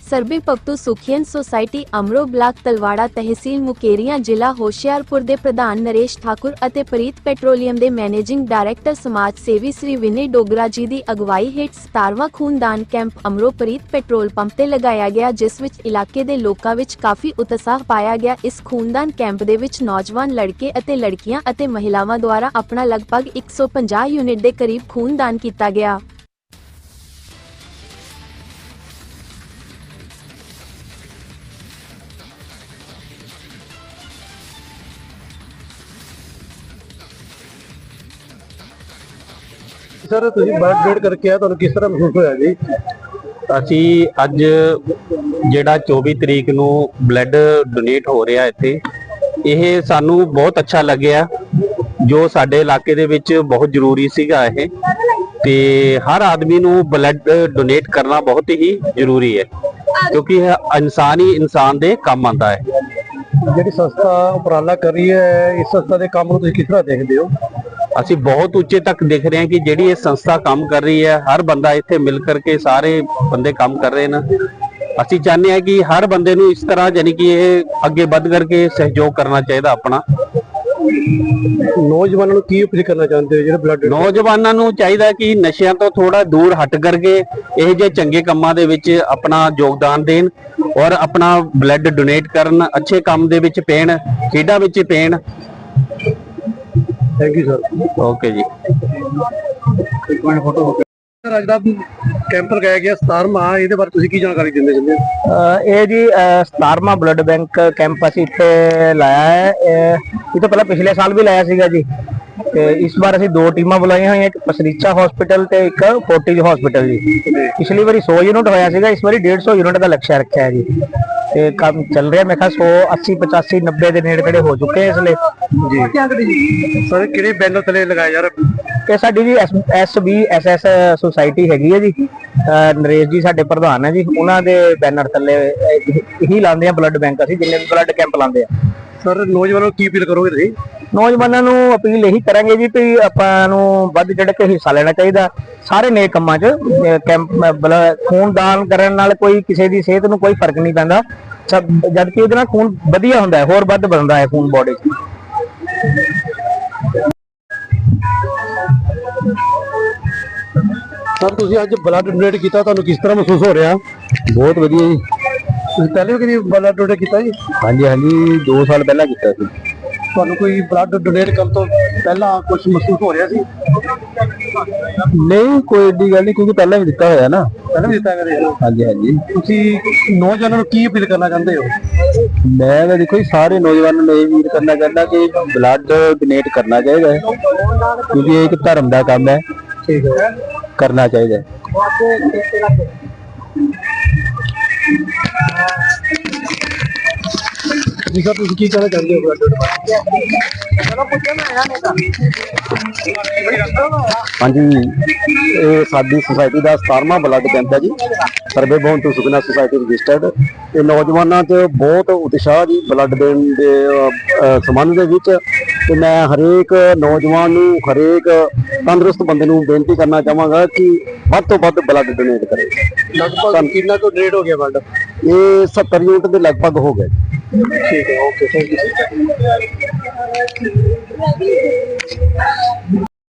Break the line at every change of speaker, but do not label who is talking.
ਸਰਬੀ ਭਗਤੂ ਸੁਖੀਅਨ society Amro block Talwara ਤਹਿਸੀਲ ਮੁਕੇਰੀਆਂ ਜ਼ਿਲ੍ਹਾ ਹੋਸ਼ਿਆਰਪੁਰ ਦੇ ਪ੍ਰਧਾਨ ਨਰੇਸ਼ ਠਾਕੁਰ ਅਤੇ ਪ੍ਰੀਤ ਪੈਟਰੋਲੀਅਮ ਦੇ ਮੈਨੇਜਿੰਗ ਡਾਇਰੈਕਟਰ ਸਮਾਜ ਸੇਵੀ ਸ੍ਰੀ ਵਿਨੇ ਡੋਗਰਾ ਜੀ ਦੀ ਅਗਵਾਈ ਹੇਠ 17ਵਾਂ ਖੂਨਦਾਨ camp Amro Preet petrol pump ਤੇ ਲਗਾਇਆ ਗਿਆ, ਜਿਸ ਵਿੱਚ ਇਲਾਕੇ ਦੇ ਲੋਕਾਂ ਵਿੱਚ ਕਾਫੀ ਉਤਸ਼ਾਹ ਪਾਇਆ ਗਿਆ। ਇਸ ਖੂਨਦਾਨ ਕੈਂਪ ਦੇ ਵਿੱਚ ਨੌਜਵਾਨ ਲੜਕੇ ਅਤੇ ਲੜਕੀਆਂ ਅਤੇ ਮਹਿਲਾਵਾਂ ਦੁਆਰਾ ਆਪਣਾ ਲਗਭਗ 150 ਯੂਨਿਟ ਦੇ ਕਰੀਬ ਖੂਨਦਾਨ ਕੀਤਾ ਗਿਆ।
सर तुसीं ब्लड डोनेट करके आए, तुहानूं किस तरह महसूस होया जी?
ਅਸੀਂ ਅੱਜ ਜਿਹੜਾ 24 ਤਰੀਕ ਨੂੰ ਬਲੱਡ ਡੋਨੇਟ ਹੋ ਰਿਹਾ ਇੱਥੇ, ਇਹ ਸਾਨੂੰ ਬਹੁਤ ਅੱਛਾ ਲੱਗਿਆ, ਜੋ ਸਾਡੇ ਇਲਾਕੇ ਦੇ ਵਿੱਚ ਬਹੁਤ ਜ਼ਰੂਰੀ ਸੀਗਾ ਇਹ, ਤੇ ਹਰ ਆਦਮੀ ਨੂੰ ਬਲੱਡ ਡੋਨੇਟ ਕਰਨਾ ਬਹੁਤ ਹੀ ਜ਼ਰੂਰੀ ਹੈ, ਕਿਉਂਕਿ ਇਹ ਇਨਸਾਨ ਹੀ ਇਨਸਾਨ ਦੇ ਕੰਮ ਆਉਂਦਾ ਹੈ।
ਜਿਹੜੀ ਸੰਸਥਾ ਉਪਰਾਲਾ ਕਰ ਰਹੀ ਹੈ, ਇਸ ਸੰਸਥਾ ਦੇ ਕੰਮ ਨੂੰ ਤੁਸੀਂ ਕਿਸ ਤਰ੍ਹਾਂ ਦੇਖਦੇ ਹੋ?
ਅਸੀਂ ਬਹੁਤ ਉੱਚੇ ਤੱਕ ਦੇਖ ਰਹੇ ਹਾਂ ਕਿ ਜਿਹੜੀ ਇਹ ਸੰਸਥਾ ਕੰਮ ਕਰ ਰਹੀ ਹੈ, ਹਰ ਬੰਦਾ ਇੱਥੇ ਮਿਲ ਕਰਕੇ ਸਾਰੇ ਬੰਦੇ ਕੰਮ ਕਰ ਰਹੇ ਨੇ। ਅਸੀਂ ਚਾਹੁੰਦੇ ਹਾਂ ਕਿ ਹਰ ਬੰਦੇ ਨੂੰ ਇਸ ਤਰ੍ਹਾਂ ਯਾਨੀ ਕਿ ਇਹ ਅੱਗੇ ਵੱਧ ਕਰਕੇ ਸਹਿਯੋਗ ਕਰਨਾ ਚਾਹੀਦਾ ਆਪਣਾ।
ਨੌਜਵਾਨਾਂ ਨੂੰ ਕੀ ਅਪੀਲ ਕਰਨਾ ਚਾਹੁੰਦੇ ਹੋ ਜਿਹੜੇ ਬਲੱਡ?
ਨੌਜਵਾਨਾਂ ਨੂੰ ਚਾਹੀਦਾ ਕਿ ਨਸ਼ਿਆਂ ਤੋਂ ਥੋੜਾ ਦੂਰ ਹਟ ਕਰਕੇ ਇਹ ਜਿਹੇ ਚੰਗੇ ਕੰਮਾਂ ਦੇ ਵਿੱਚ ਆਪਣਾ ਯੋਗਦਾਨ ਦੇਣ ਔਰ ਆਪਣਾ ਬਲੱਡ ਡੋਨੇਟ ਕਰਨ, ਅੱਛੇ ਕੰਮ ਦੇ ਵਿੱਚ ਪੈਣ, ਖੇਡਾਂ ਵਿੱਚ ਪੈਣ।
Thank you sir.
ਓਕੇ ਜੀ।
ਸਰ ਅੱਜ ਦਾ ਕੈਂਪ ਲਗਾਇਆ ਗਿਆ 17ਵਾਂ, ਇਹਦੇ ਬਾਰੇ ਤੁਸੀਂ ਕੀ ਜਾਣਕਾਰੀ ਦਿੰਦੇ ਚਾਹੁੰਦੇ ਹੋ?
ਇਹ ਜੀ 17ਵਾਂ ਬਲੱਡ ਬੈਂਕ ਕੈਂਪ ਅਸੀਂ ਇੱਥੇ ਲਾਇਆ ਹੈ। ਇਹ ਤੋਂ ਪਹਿਲਾਂ ਪਿਛਲੇ ਸਾਲ ਵੀ ਲਾਇਆ ਸੀਗਾ ਜੀ, ਤੇ ਇਸ ਵਾਰ ਅਸੀਂ ਦੋ ਟੀਮਾਂ ਬੁਲਾਈਆਂ ਹੋਈਆਂ, ਇੱਕ ਪਸਰੀਚਾ ਹਸਪੀਟਲ ਤੇ ਇੱਕ ਫੋਰਟਿਜ ਹਸਪੀਟਲ ਜੀ। ਪਿਛਲੀ ਵਾਰੀ 100 ਯੂਨਿਟ ਹੋਇਆ ਸੀਗਾ, ਇਸ ਵਾਰੀ 150 ਯੂਨਿਟ ਦਾ ਲਕਸ਼ਯ ਰੱਖਿਆ ਹੈ ਜੀ, ਤੇ ਕੰਮ ਚੱਲ ਰਿਹਾ। ਮੈਂ ਕਿਹਾ 100 80 85 90 ਦੇ ਨੇੜੇ ਤੇੜੇ ਹੋ ਚੁੱਕੇ ਇਸ ਲਈ
ਜੀ। ਸਰ ਕਿਹੜੇ ਬੈਨਰ ਤਲੇ ਲਗਾਇਆ ਯਾਰ?
ਇਹ ਸਾਡੀ ਜੀ SBSS ਸੁਸਾਇਟੀ ਹੈਗੀ ਹੈ ਜੀ, ਨਰੇਸ਼ ਜੀ ਸਾਡੇ ਪ੍ਰਧਾਨ ਹੈ ਜੀ, ਉਹਨਾਂ ਦੇ ਬੈਨਰ ਥੱਲੇ ਇਹੀ ਲਾਉਂਦੇ ਆ ਬਲੱਡ ਬੈਂਕ, ਅਸੀਂ ਜਿੰਨੇ ਵੀ ਬਲੱਡ ਕੈਂਪ ਲਾਉਂਦੇ ਆ।
ਸਰ ਨੌਜਵਾਨਾਂ ਨੂੰ ਕੀ ਅਪੀਲ ਕਰੋਗੇ ਤੁਸੀਂ?
ਨੌਜਵਾਨਾਂ ਨੂੰ ਅਪੀਲ ਇਹੀ ਕਰਾਂਗੇ ਜੀ ਵੀ ਆਪਾਂ ਨੂੰ ਵੱਧ ਚੜ੍ਹ ਕੇ ਹਿੱਸਾ ਲੈਣਾ ਚਾਹੀਦਾ ਸਾਰੇ ਨੇਕ ਕੰਮਾਂ 'ਚ। ਕੈਂਪ ਖੂਨਦਾਨ ਕਰਨ ਨਾਲ ਕੋਈ ਕਿਸੇ ਦੀ ਸਿਹਤ ਨੂੰ ਕੋਈ ਫਰਕ ਨਹੀਂ ਪੈਂਦਾ, ਜਦ ਕਿ ਉਹਦੇ ਨਾਲ ਖੂਨ ਵਧੀਆ ਹੁੰਦਾ ਹੈ, ਹੋਰ ਵੱਧ ਬਣਦਾ ਹੈ ਖੂਨ ਬੋਡੀ 'ਚ।
ਸਰ ਤੁਸੀਂ ਅੱਜ ਬਲੱਡ ਡੋਨੇਟ ਕੀਤਾ, ਤੁਹਾਨੂੰ ਕਿਸ ਤਰ੍ਹਾਂ ਮਹਿਸੂਸ ਹੋ ਰਿਹਾ?
ਬਹੁਤ ਵਧੀਆ ਜੀ।
ਤੁਸੀਂ ਪਹਿਲੇ ਵੀ ਕਦੀ ਬਲੱਡ ਡੋਨੇਟ ਕੀਤਾ ਜੀ?
ਹਾਂਜੀ ਹਾਂਜੀ, 2 ਸਾਲ ਪਹਿਲਾਂ ਕੀਤਾ ਸੀ।
ਤੁਹਾਨੂੰ ਕੋਈ ਬਲੱਡ ਡੋਨੇਟ ਕਰਨ ਤੋਂ ਪਹਿਲਾਂ ਕੁਝ ਮਹਿਸੂਸ ਹੋ ਰਿਹਾ ਸੀ?
ਨਹੀਂ, ਕੋਈ ਏਡੀ ਗੱਲ ਨਹੀਂ, ਕਿਉਂਕਿ ਪਹਿਲਾਂ ਵੀ ਦਿੱਤਾ ਹੋਇਆ ਨਾ।
ਪਹਿਲਾਂ ਵੀ ਦਿੱਤਾ ਕਰੇ?
ਹਾਂਜੀ ਹਾਂਜੀ।
ਤੁਸੀਂ ਨੌਜਵਾਨਾਂ ਨੂੰ ਕੀ ਅਪੀਲ ਕਰਨਾ ਚਾਹੁੰਦੇ ਹੋ?
ਮੈਂ ਤਾਂ ਦੇਖੋ ਜੀ ਸਾਰੇ ਨੌਜਵਾਨਾਂ ਨੂੰ ਇਹ ਅਪੀਲ ਕਰਨਾ ਚਾਹੁੰਦਾ ਕਿ ਬਲੱਡ ਡੋਨੇਟ ਕਰਨਾ ਚਾਹੀਦਾ ਹੈ, ਕਿਉਂਕਿ ਇਹ ਇੱਕ ਧਰਮ ਦਾ ਕੰਮ ਹੈ।
ਠੀਕ ਹੈ,
ਕਰਨਾ ਚਾਹੀਦਾ ਹੈ।
ਜੀ ਸਰ ਤੁਸੀਂ ਕੀ ਕਹਿਣਾ ਚਾਹੁੰਦੇ ਹੋ?
ਹਾਂਜੀ, ਇਹ ਸਾਡੀ ਸੁਸਾਇਟੀ ਦਾ 17ਵਾਂ ਬਲੱਡ ਕੈਂਪ ਹੈ ਜੀ, ਸਰਬੇ ਭਗਤੂ ਸੁਖੀਅਨ ਸੁਸਾਇਟੀ ਰਜਿਸਟਰਡ। ਇਹ ਨੌਜਵਾਨਾਂ 'ਚ ਬਹੁਤ ਉਤਸ਼ਾਹ ਜੀ ਬਲੱਡ ਦੇਣ ਦੇ ਸੰਬੰਧ ਦੇ ਵਿੱਚ, ਤੇ ਮੈਂ ਹਰੇਕ ਨੌਜਵਾਨ ਨੂੰ, ਹਰੇਕ ਤੰਦਰੁਸਤ ਬੰਦੇ ਨੂੰ ਬੇਨਤੀ ਕਰਨਾ ਚਾਹਾਂਗਾ ਕਿ ਵੱਧ ਤੋਂ ਵੱਧ ਬਲੱਡ ਡੋਨੇਟ ਕਰੇ।
ਲਗਭਗ ਕਿੰਨਾ ਕੁ ਡੋਨੇਟ ਹੋ ਗਿਆ ਬਲੱਡ?
ਇਹ 70 ਯੂਨਿਟ ਦੇ ਲਗਭਗ ਹੋ ਗਏ।
ਠੀਕ ਹੈ, ਓਕੇ, ਥੈਂਕ ਯੂ।